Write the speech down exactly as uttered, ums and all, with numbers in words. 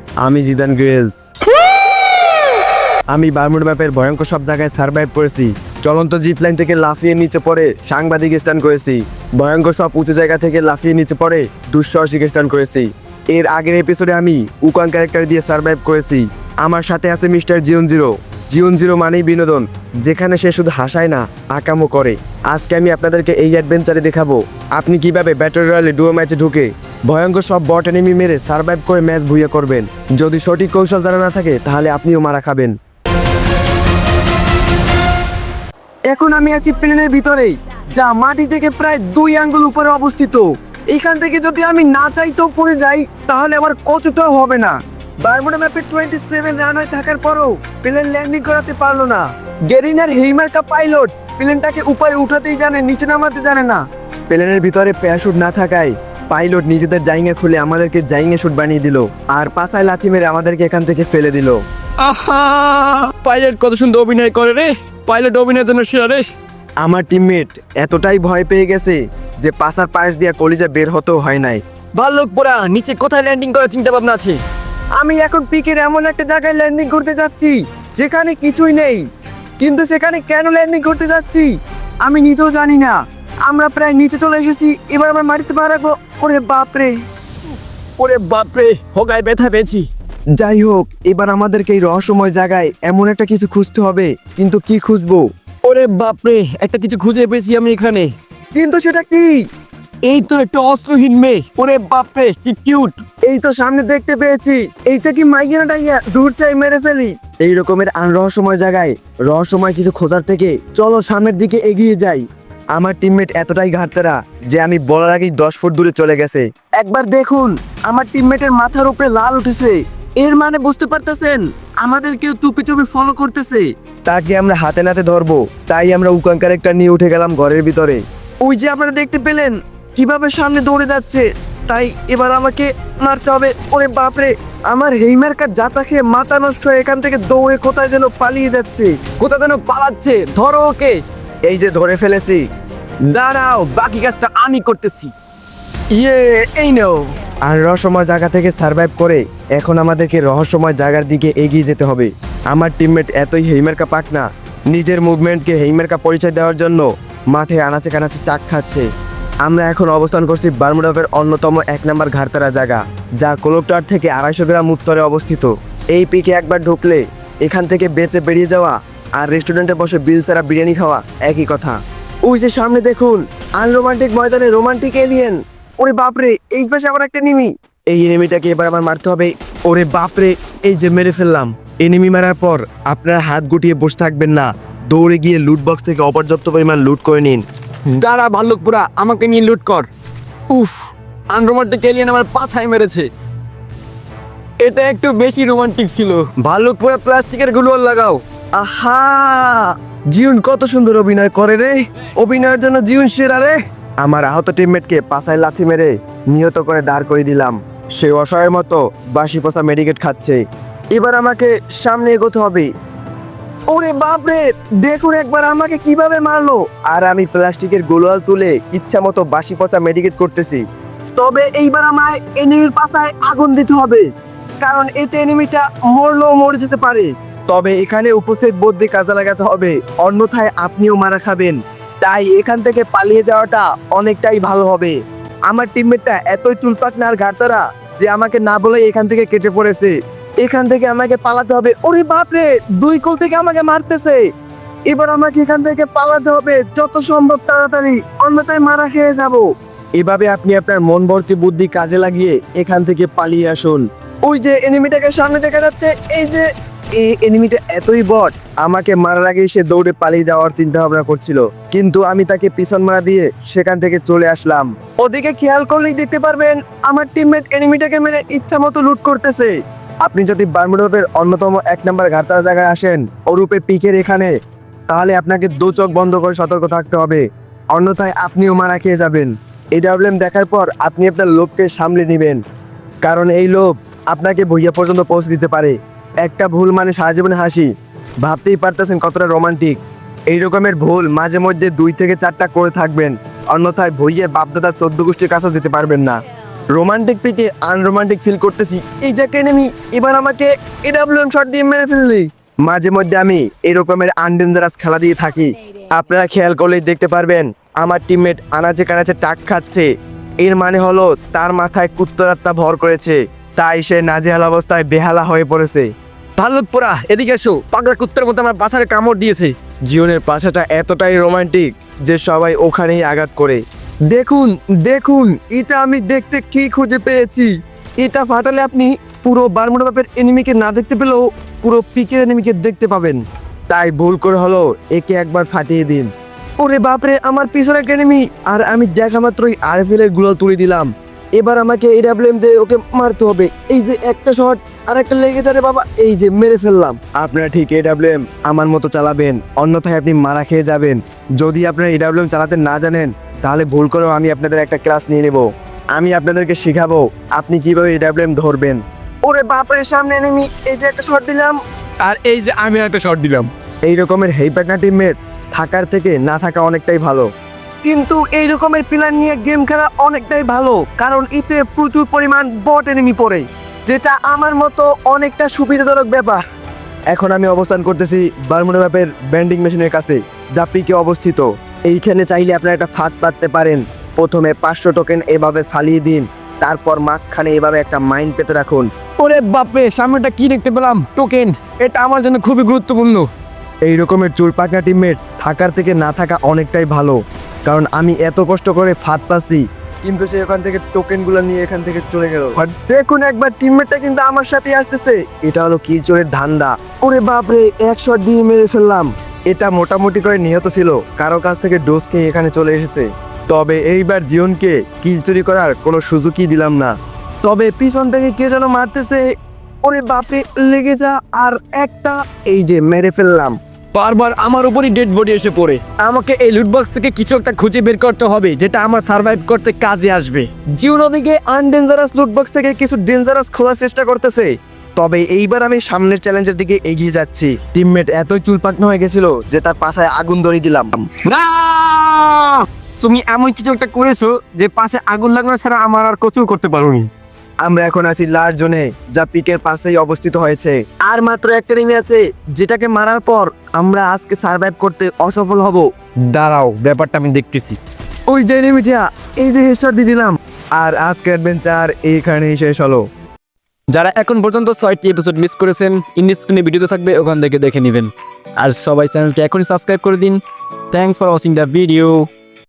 আমি জিদান গ্রেলস। আমি বারমুডা ম্যাপের ভয়ঙ্কর সব জায়গায় সার্ভাইভ করেছি। চলন্ত জিপ লাইন থেকে লাফিয়ে নিচে পড়ে সাংবাদিক স্টান করেছি। ভয়ঙ্কর সব উঁচু জায়গা থেকে লাফিয়ে নিচে পড়ে দুঃসাহসিক স্টান করেছি। এর আগের এপিসোডে আমি উকান ক্যারেক্টার দিয়ে সার্ভাইভ করেছি। আমার সাথে আছে mister Zion zero. Zion zero মানেই বিনোদন, যেখানে সে শুধু হাসায় না, আকামও করে। আজকে আমি আপনাদেরকে এই অ্যাডভেঞ্চারে দেখাবো আপনি কিভাবে ব্যাটল রয়্যালে ডুয়ো ম্যাচে ঢুকে ভয়ঙ্কর সব বট এনিমি মেরে সার্ভাইভ করে ম্যাচ ভুইয়া করবেন। যদি সঠিক কৌশল জানা না থাকে তাহলে আপনিও মারা খাবেন। এখন আমি আছি প্লেনের ভিতরেই, যা মাটি থেকে প্রায় দুই আঙ্গুল উপরে অবস্থিত। এখান থেকে যদি আমি না চাইতেও পড়ে যাই তাহলে আমার কতটাও হবে না। বারমুডা ম্যাপে টোয়েন্টি সেভেন রানওয়ে থাকার পরও প্লেন ল্যান্ডিং করাতে পারলো না। গেরিনার হেইমার্কা পাইলট প্লেনটাকে উপরে উঠাতেই জানে, নিচে নামাতে জানে না। প্লেনের ভিতরে প্যারাশুট না থাকায় পাইলট নিজেদের জাইঙ্গা খুলে আমাদেরকে জাইঙ্গা শুট বানিয়ে দিল আর পাছায় লাথি মেরে আমাদেরকে এখান থেকে ফেলে দিল। আহা, পাইলট কত সুন্দর অভিনয় করে রে। পাইলট অভিনয়ের জন্য সেরা রে। আমার টিমমেট এতটাই ভয় পেয়ে গেছে যে পাছার পাশ দিয়ে কলিজা বের হতেও হয় নাই। ভাল্লুক পোড়া, নিচে কোথায় ল্যান্ডিং করার চিন্তা ভাবনা আছে? আমি এখন পিকের এমন একটা জায়গায় ল্যান্ডিং করতে যাচ্ছি যেখানে কিছুই নেই, কিন্তু সেখানে কেন ল্যান্ডিং করতে যাচ্ছি আমি নিজেও জানি না। আমরা প্রায় নিচে চলে এসেছি, এবার আমার মাটিতে পা রাখবো। ওরে বাপরে, ওরে বাপরে, হোগায় ব্যথা পেয়েছি। যাই হোক, এবার আমাদেরকে এই রহস্যময় জায়গায় এমন একটা কিছু খুঁজতে হবে, কিন্তু কি খুঁজবো? ওরে বাপরে, একটা কিছু খুঁজে পেয়েছি আমি এখানে। কিন্তু সেটা কি? এই তো একটা অস্ত্রহীন মেয়ে। ওরে বাপরে, কি কিউট। এই তো সামনে দেখতে পেয়েছি। এইটা কি মাইয়া ডাইয়া? দূর চাই মেরে ফেলি। এই রকমের আনরহস্যময় জায়গায় রহস্যময় কিছু খোঁজার থেকে চলো সামনের দিকে এগিয়ে যাই। আমার টিমমেট এতটাই ঘাটতেরা যে আমি বলার আগেই দশ ফুট দূরে চলে গেছে। একবার দেখুন, আমার টিমমেটের মাথার উপরে লাল উঠেছে। এর মানে বুঝতে পারতেছেন আমাদের কেউ টুপি টুপি ফলো করতেছে। তাকে আমরা হাতে নাতে ধরবো, তাই আমরা উকান ক্যারেক্টার নিয়ে উঠে গেলাম ঘরের ভিতরে। ওই যে আপনারা দেখতে পেলেন কিভাবে সামনে দৌড়ে যাচ্ছে, তাই এবার আমাকে মারতে হবে। ওরে বাপরে, আমার হেইমার্কা জাতা খেয়ে মাথা নষ্ট হয়ে এখান থেকে দৌড়ে কোথায় যেন পালিয়ে যাচ্ছে। কোথায় যেন পালাচ্ছে, ধরো ওকে। এই যে ধরে ফেলেছি। দাঁড়াও, বাকি কাজটা আমি করতেছি। ইয়ে, এই নাও। আর রহস্যময় জায়গা থেকে সার্ভাইভ করে এখন আমাদেরকে রহস্যময় জায়গার দিকে এগিয়ে যেতে হবে। আমার টিমমেট এতই হেইমার্কা পাক না, নিজের মুভমেন্টকে হেইমার্কা পরিচয় দেওয়ার জন্য মাঠে আনাচে কানাচে টাক খাচ্ছে। আমরা এখন অবস্থান করছি বারমুডা ম্যাপের অন্যতম এক নম্বর ঘাটতারা জায়গা, যা কোলোকটার থেকে আড়াইশো গ্রাম উত্তরে অবস্থিত। এই পিকে একবার ঢুকলে এখান থেকে বেঁচে বেরিয়ে যাওয়া আর রেস্টুরেন্টে বসে বিল ছাড়া বিরিয়ানি খাওয়া একই কথা। ওই যে সামনে দেখুন, আনরোমান্টিক ময়দানে রোমান্টিক এলিয়েন। ওরে বাপরে, এই পাশে আবার একটা এনিমি। এই এনিমিটাকে এবার আমার মারতে হবে। ওরে বাপরে, এই যে মেরে ফেললাম। এনিমি মারার পর আপনারা হাত গুটিয়ে বসে থাকবেন না, দৌড়ে গিয়ে লুট বক্স থেকে অপর্যাপ্ত পরিমাণ লুট করে নিন। দাঁড়া ভাল্লুক পোড়া, আমাকে নিয়ে লুট কর। উফ, আনরোমান্টিক এলিয়েন আমার পাছায় মেরেছে। এটা একটু বেশি রোমান্টিক ছিল। ভাল্লুক পোড়া, প্লাস্টিকের গুলোর লাগাও। আহা, জিউন কত সুন্দর অভিনয় করে রে। অভিনয়ের জন্য জিউন সেরা রে। আমার আহত টিমমেটকে পাছায় লাথি মেরে নিহত করে দাঁড় করে দিলাম। সে অসহায়ের মতো বাসি পোষা মেডিকেট খাচ্ছে। এবার আমাকে সামনে এগোতে হবে। ওরে বাপরে, দেখুন একবার আমাকে কিভাবে মারলো। আর আমি প্লাস্টিকের গোলাল তুলে ইচ্ছা মতো বাসি পচা মেডিকেট করতেছি। তবে এইবার আমায় এনিমির পাছায় আগুন দিতে হবে, কারণ এতে এনিমিটা মরলেও মরে যেতে পারে। তবে এখানে উপস্থিত বুদ্ধি কাজে লাগাতে হবে, অন্যথায় আপনিও মারা খাবেন। তাই এখান থেকে পালিয়ে যাওয়াটা অনেকটাই ভালো হবে। আমার টিমমেটটা এতই চুলপাক না আর ঘাটতারা যে আমাকে না বলে এখান থেকে কেটে পড়েছে। এখান থেকে আমাকে পালাতে হবে। ওরে বাপরে, দুই কোল থেকে আমাকে মারতেছে। এবার আমাকে এখান থেকে পালাতে হবে যত সম্ভব তাড়াতাড়ি, অন্যথায় মারা খেয়ে যাব। এভাবে আপনি আপনার মন ভর্তি বুদ্ধি কাজে লাগিয়ে এখান থেকে পালিয়ে আসুন। ওই যে এনিমিটাকে সামনে দেখা যাচ্ছে। এই যে এই এনিমিটা এতই বট, আমাকে মারার আগে সে দৌড়ে পালিয়ে যাওয়ার চিন্তা ভাবনা করছিল, কিন্তু আমি তাকে পিছন মারা দিয়ে সেখান থেকে চলে আসলাম। ওদিকে খেয়াল করলেই দেখতে পারবেন আমার টিমমেট এনিমিটাকে মেরে ইচ্ছা মতো লুট করতেছে। আপনি যদি বারমুডা ম্যাপের অন্যতম এক নম্বর ঘাটতারা জায়গায় আসেন ওরূপে পিকের এখানে, তাহলে আপনাকে দু চোখ বন্ধ করে সতর্ক থাকতে হবে, অন্যথায় আপনিও মারা খেয়ে যাবেন। এই প্রবলেম দেখার পর আপনি আপনার লোভকে সামলে নেবেন, কারণ এই লোভ আপনাকে ভুইয়া পর্যন্ত পৌঁছে দিতে পারে। একটা ভুল মানে সারা জীবনে হাসি। ভাবতেই পারতেছেন কতটা রোমান্টিক। এই রকমের ভুল মাঝে মধ্যে দুই থেকে চারটা করে থাকবেন, অন্যথায় ভুইয়ের বাপদাদার চোদ্দ গোষ্ঠীর কাছে যেতে পারবেন না। রোমান্টিক পিকে আনরোমান্টিক ফিল করতেছি। এই যে একটা enemy, এবার আমাকে এডাব্লিউএম শট দিয়ে মেরে ফেললি। মাঝে মধ্যে আমি এরকমের আনডেঞ্জারাস খেলা দিয়ে থাকি। আপনারা খেয়াল করলেই দেখতে পারবেন আমার টিমমেট আনাচে কানাচে টাক খাচ্ছে। এর মানে হলো তার মাথায় কুত্তরাত্মা ভর করেছে, তাই সে নাজেহাল অবস্থায় বেহালা হয়ে পড়েছে। ভাল্লুক পোড়া, এদিকে এসো। পাগলা কুত্তার মতো আমার বাসারে কামড় দিয়েছে। জীবনের পাশাটা এতটাই রোমান্টিক যে সবাই ওখানেই আঘাত করে। দেখুন দেখুন, এটা আমি দেখতে কি খুঁজে পেয়েছি। এটা ফাটালে আপনি পুরো বারমুডা ম্যাপের এনিমিকে না দেখতে পেলেও পুরো পিকের এনিমিকে দেখতে পাবেন। তাই ভুল করে হলো একে একবার ফাটিয়ে দিন। ওরে বাপরে, আমার পিছনে একটা এনিমি, আর আমি দেখা মাত্রই আরএফএল এর গুলো তুলে দিলাম। এবার আমাকে এডাব্লিউএম দিয়ে ওকে মারতে হবে। এই যে একটা শট আর একটা লেগে যাবে বাবা, এই যে মেরে ফেললাম। আপনারা ঠিক এডাব্লিউএম আমার মতো চালাবেন, অন্যথায় আপনি মারা খেয়ে যাবেন। যদি আপনারা এডাব্লিউএম চালাতে না জানেন তাহলে ভুল করেও আমি আপনাদের একটা ক্লাস নিয়ে নেব। আমি আপনাদেরকে শেখাবো আপনি কিভাবে এডাব্লিউএম ধরবেন। ওরে বাপরে, সামনে এনিমি, এই যে একটা শট দিলাম। আর এই যে আমি একটা শট দিলাম। এই রকমের হেই প্যাটনা টিমমেট থাকার থেকে না থাকা অনেকটাই ভালো। কিন্তু এই রকমের প্ল্যান নিয়ে গেম খেলা অনেকটাই ভালো, কারণ এতে প্রচুর পরিমাণ বট এনিমি পড়ে, যেটা আমার মতো অনেকটা সুবিধাজনক ব্যাপার। এখন আমি অবস্থান করতেছি বারমুডা ম্যাপের ব্যান্ডিং মেশিনের কাছে, যা পিকে অবস্থিত। এইখানে চাইলে আপনারা একটা ফাঁদ পাততে পারেন। প্রথমে পাঁচশো টোকেন এভাবে ফালিয়ে দিন, তারপর মাঝখানে এভাবে একটা মাইন্ড পেতে রাখুন। ওরে বাপরে, সামনেটা কি দেখতে পেলাম? টোকেন। এটা আমার জন্য খুবই গুরুত্বপূর্ণ। এই রকমের চুল পাকা টিমমেট থাকার থেকে না থাকা অনেকটাই ভালো, কারণ আমি এত কষ্ট করে ফাঁদ পাচ্ছি, কিন্তু সে ওখান থেকে টোকেনগুলো নিয়ে এখান থেকে চলে গেল। দেখুন একবার, টিমমেটটা কিন্তু আমার সাথে আসতেছে। এটা হলো কি চোরের ধান্দা। ওরে বাপরে, এক শট দিয়ে মেরে ফেললাম। এটা মোটামুটি করে নিহত ছিল, কারো কাছ থেকে ডোজ খেয়ে এখানে চলে এসেছে। তবে এইবার জিওনকে কিল চুরি করার কোনো সুযোগই দিলাম না। তবে পিছন থেকে কে যেন মারতেছে। ওরে বাপরে, লেগে যা। আর একটা, এই যে মেরে ফেললাম। বারবার আমার উপরই ডেড বডি এসে পড়ে। আমাকে এই লুটবক্স থেকে কিছু একটা খুঁজে বের করতে হবে, যেটা আমার সার্ভাইভ করতে কাজে আসবে। জিওন ওদিকে আনডেঞ্জারাস লুটবক্স থেকে কিছু ডেঞ্জারাস খোলার চেষ্টা করতেছে। তবে এইবার আমি সামনের চ্যালেঞ্জের দিকে এগিয়ে যাচ্ছি। টিমমেট এতই চুলপাকনা হয়ে গেছিল যে তার পাছায় আগুন ধরিয়ে দিলাম। না, তুমি এমন কিছু একটা করেছো যে পাশে আগুন লাগানো ছাড়া আমার আর কিছু করতে পারোনি। আমরা এখন আছি লার জোনে, যা পিকের পাশেই অবস্থিত হয়েছে। আর মাত্র একটা রিমি আছে, যেটাকে মারার পর আমরা আজকে সার্ভাইভ করতে অসফল হব। দাঁড়াও, ব্যাপারটা আমি দেখতেছি। ওই যে রিমিটা, এই যে হেডশট দিয়ে দিলাম। আর আজকের অ্যাডভেঞ্চার এইখানেই শেষ হলো। যারা এখন পর্যন্ত ছয়টি এপিসোড মিস করেছেন, ইন্ডিস স্ক্রিনে ভিডিওতে থাকবে, ওখান থেকে দেখে নেবেন। আর সবাই চ্যানেলটি এখনই সাবস্ক্রাইব করে দিন। Thanks for watching the video.